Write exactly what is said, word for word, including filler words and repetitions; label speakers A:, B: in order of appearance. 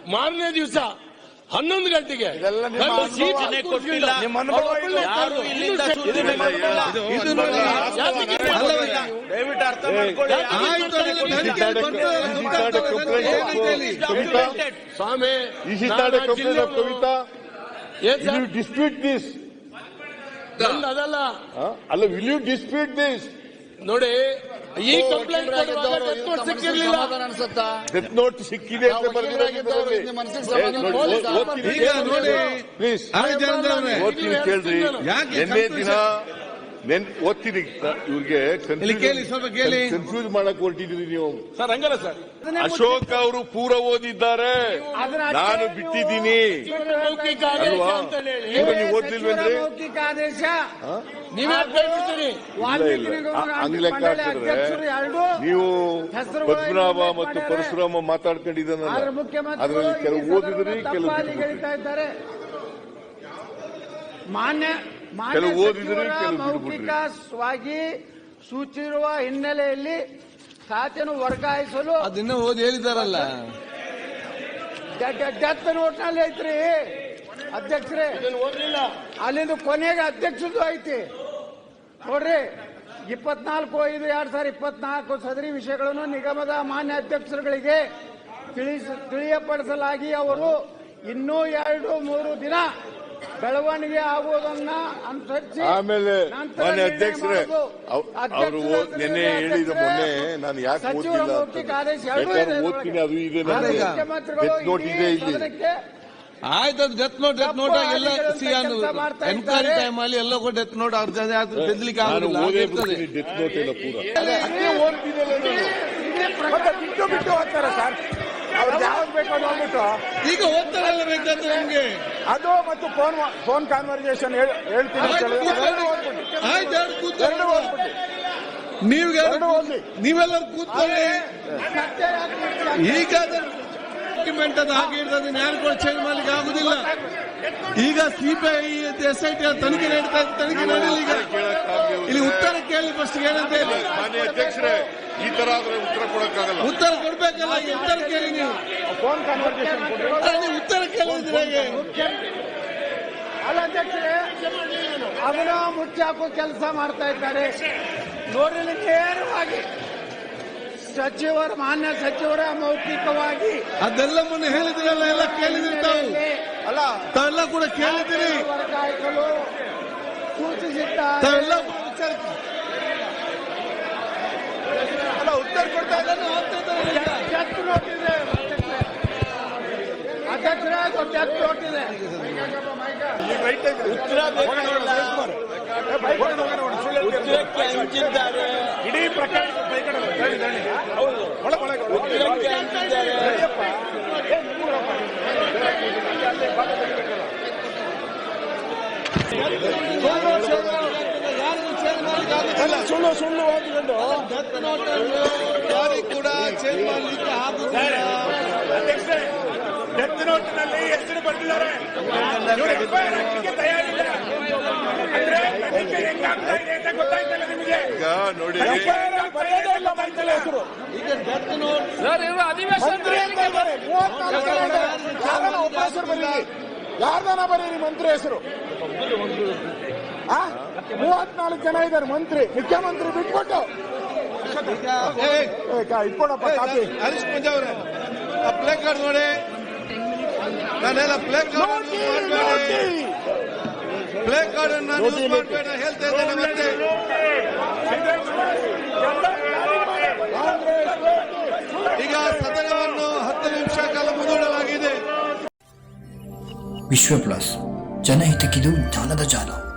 A: ಮಾರನೇ ದಿವಸ ಹನ್ನೊಂದು ಗಂಟೆಗೆ
B: ದಯವಿಟ್ಟು ಅರ್ಥ ಮಾಡ್ಕೊಳ್ಳಿ
A: ಸ್ವಾಮಿ.
C: ಕವಿತಾ ಡಿಸ್ಪ್ಯೂಟ್ ದಿಸ್
A: ಅದಲ್ಲ
C: ಅಲ್ಲ, ವಿಲ್ ಯು ಡಿಸ್ಪ್ಯೂಟ್ ದಿಸ್?
A: ನೋಡಿ, ಈ ಕಂಪ್ಲೇಂಟ್ ಸಿಕ್ಕಿರ್ಲಿಲ್ಲ,
C: ಡೆತ್ ನೋಟ್ ಸಿಕ್ಕಿದೆ ಅಂತ ಪ್ಲೀಸ್ ಓದ್ತೀನಿ ಕೇಳ್ರಿ. ನಿನ್ನೆ ದಿನ ನೆನ್ ಓದ್ತೀನಿ ಇವ್ರಿಗೆ ಕನ್ಫ್ಯೂಸ್ ಮಾಡಕ್ ಹೊರಟಿದ್ರಿ ನೀವು.
A: ಸರ್ ಹಂಗಲ್ಲ ಸರ್,
C: ಅಶೋಕ್ ಅವರು ಪೂರ ಓದಿದ್ದಾರೆ, ನಾನು ಬಿಟ್ಟಿದ್ದೀನಿ ಅಲ್ವಾ? ನೀವು ಓದ್ಲಿಲ್ವೇನ್ರಿ? ಹಂಗ್ ಲೆಕ್ಕ ಹಾಕಿದ್ರೆ ನೀವು ಪದ್ಮನಾಭ ಮತ್ತು ಪರಶುರಾಮ ಮಾತಾಡ್ಕೊಂಡಿದ್ದಾನಲ್ಲ, ಅದರಲ್ಲಿ ಕೆಲವು ಓದಿದ್ರಿ, ಕೆಲವು
D: ಮಾನ್ಯ
C: ಕೆಲವು ಓದಿದ್ರಿ, ಕೆಲವು
D: ಮೌಖಿಕವಾಗಿ ಸೂಚಿಸಿರುವ ಹಿನ್ನೆಲೆಯಲ್ಲಿ ಖಾತೆಯನ್ನು ವರ್ಗಾಯಿಸಲು
B: ಅದನ್ನ ಓದಿ ಹೇಳಿದಾರಲ್ಲ,
D: ಡೆತ್ ನೋಟ್ನಲ್ಲಿ ಐತ್ರಿ ಅಧ್ಯಕ್ಷರೇ. ಅಲ್ಲಿಂದ ಕೊನೆಗೆ ಅಧ್ಯಕ್ಷದ್ದು ಐತಿ ನೋಡ್ರಿ. ಇಪ್ಪತ್ನಾಲ್ಕು ಐದು ಎರಡ್ ಸಾವಿರದ ಇಪ್ಪತ್ನಾಲ್ಕು ಸದರಿ ವಿಷಯಗಳನ್ನು ನಿಗಮದ ಮಾನ್ಯ ಅಧ್ಯಕ್ಷರುಗಳಿಗೆ ತಿಳಿಸ ತಿಳಿಯಪಡಿಸಲಾಗಿ ಅವರು ಇನ್ನೂ ಎರಡು ಮೂರು ದಿನ ಬೆಳವಣಿಗೆ ಆಗುವುದನ್ನ ಅನುಸರಿಸಿ
C: ಆಮೇಲೆ ಮಾನ್ಯ ಅಧ್ಯಕ್ಷರೇ ಅವರು ನಿನ್ನೆ ಹೇಳಿದ ಮೊನ್ನೆ ನಾನು ಯಾಕೆ ಓದ್ತಿಲ್ಲ ಓದ್ತೀನಿ, ಅದು ಇದೆ ಡೆತ್ ನೋಟ್ ಇದೆ ಇಲ್ಲಿ.
B: ಆಯ್ತು, ಡೆತ್ ನೋಟ್ ಡೆತ್ ನೋಟ್ ಎಲ್ಲ ಎನ್ಕ್ವೈರಿ ಟೈಮ್ ಅಲ್ಲಿ ಎಲ್ಲ ಡೆತ್ ನೋಟ್ ಅವ್ರ ಬೆದಲಿಕ್ಕೆ ಆಗುದಿಲ್ಲ.
C: ಡೆತ್ ನೋಟ್ ಎಲ್ಲ ಪೂರ
D: ಬಿಟ್ಟು ಬಿಟ್ಟು ಹೋಗ್ತಾರೆ ಸರ್. ಅವ್ರಿಗೆ ಯಾವ್ದು ಬೇಕು ಅದು ಹೋಗ್ಬಿಟ್ಟು
B: ಈಗ ಓದ್ತಾರಲ್ಲ ಬೇಕಾದ್ರೆ ನಮ್ಗೆ
D: ಅದು ಮತ್ತು ಫೋನ್ ಫೋನ್ ಕಾನ್ವರ್ಸೇಷನ್ ಹೇಳ್ತೀನಿ.
B: ನೀವೆಲ್ಲರೂ ಕೂತ್ಕೊಳ್ಳಿ. ಈಗ ಡಾಕ್ಯುಮೆಂಟ್ ಅದು ಹಾಗೆ ಇರ್ತದೆ, ಯಾರು ಕೂಡ ಚೇಂಜ್ ಮಾಡ್ಲಿಕ್ಕೆ ಆಗುದಿಲ್ಲ. ಈಗ ಸಿಬಿಐ ಎಸ್ ಐ ಟಿ ತನಿಖೆ ನಡೀತಾ ಇದೆ, ತನಿಖೆ ನಡೀಲಿ. ಈಗ ಇಲ್ಲಿ ಉತ್ತರ ಕೇಳಿ ಫಸ್ಟ್ ಏನಂತ ಹೇಳಿ.
C: ಮಾನ್ಯ ಅಧ್ಯಕ್ಷರೇ, ಈ ತರ ಆದ್ರೆ ಉತ್ತರ ಕೊಡಕ್ಕಾಗಲ್ಲ.
B: ಉತ್ತರ ಕೊಡ್ಬೇಕಲ್ಲ, ಉತ್ತರ ಕೇಳಿ ನೀವು.
D: ಫೋನ್ ಕಾನ್ವರ್ಸೇಷನ್
B: ನೀವು ಉತ್ತರ ಕೇಳಿದ್ರೆ
D: ಅಲ್ಲ ಅಧ್ಯಕ್ಷರೇ, ಅದನ್ನ ಮುಚ್ಚಾಕೋ ಕೆಲಸ ಮಾಡ್ತಾ ಇದ್ದಾರೆ ನೋಡ್ರಿ. ನೇರವಾಗಿ ಸಚಿವರ ಮಾನ್ಯ ಸಚಿವರ ಮೌಖಿಕವಾಗಿ
B: ಅದೆಲ್ಲ ಮೊನ್ನೆ ಹೇಳಿದ್ರಲ್ಲ, ಎಲ್ಲ ಕೇಳಿದ್ರಿ ತಾವು
D: ಅಲ್ಲ,
B: ತಾವೆಲ್ಲ ಕೂಡ ಕೇಳಿದಿರಿ,
D: ವರ್ಗಾಯಿಸಲು ಸೂಚಿಸಿದ್ದಾರೆ.
B: ತಾವೆಲ್ಲ
D: ಅಲ್ಲ, ಉತ್ತರ ಕೊಡ್ತಾ ಇದ್ದಾನೆ. ಡೆತ್ ನೋಟ್ ಇದೆ ಅಧ್ಯಕ್ಷರೇ, ಡೆತ್ ನೋಟ್ ಇದೆ.
A: ಉತ್ತರ ಉತ್ತರಕ್ಕೆ ಹಂಚಿದ್ದಾರೆ,
D: ಇಡೀ ಪ್ರಕರಣ
A: ಉತ್ತರಕ್ಕೆ ಹಂಚಿದ್ದಾರೆ.
D: ಸುಳ್ಳು ಸುಳ್ಳು ಓದಿಕೊಂಡು
B: ಡೆತ್ ನೋಟ್ ಯಾರಿಗೂ ಕೂಡ ಚೇಂಜ್ ಮಾಡಲಿಕ್ಕೆ ಆಗುತ್ತಿಲ್ಲ.
D: ಡೆತ್ ನೋಟ್ನಲ್ಲಿ ಹೆಸರು ಬರೆದಿದ್ದಾರೆ, ತಯಾರಿಲ್ಲ.
C: ಈಗ ನೋಡಿ,
B: ಈಗ ಡೆತ್ ನೋಟ್
D: ಹೆಸರು ಬರೀರಿ, ಯಾರ್ದಾನ ಬರೀರಿ ಮಂತ್ರಿ ಹೆಸರು. ಮೂವತ್ನಾಲ್ಕು ಜನ ಇದ್ದಾರೆ ಮಂತ್ರಿ, ಮುಖ್ಯಮಂತ್ರಿ ಬಿಟ್ಬಿಟ್ಟು ಇಟ್ಕೊಡಪ್ಪ ಕಾಪಿ.
B: ಹರೀಶ್ ಪೂಜಾ ಅವರೇ, ಆ ಪ್ಲೇ ಕಾರ್ಡ್ ನೋಡಿ, ನಾನೆಲ್ಲ ಪ್ಲೇ ಕಾರ್ಡ್ ಪ್ಲೇ ಕಾರ್ಡ್ ಅನ್ನು ಯೂಸ್ ಮಾಡಬೇಡ ಹೇಳ್ತಾ ಇದ್ದೇನೆ. ಮತ್ತೆ ಈಗ ಸದನವನ್ನು ಹತ್ತು ನಿಮಿಷ ಕಾಲ ಮುಂದೂಡಲಾಗಿದೆ.
E: ವಿಶ್ವ ಪ್ಲಸ್, ಜನಹಿತಕ್ಕಿದು ಜ್ಞಾನದ ಜಾಲ.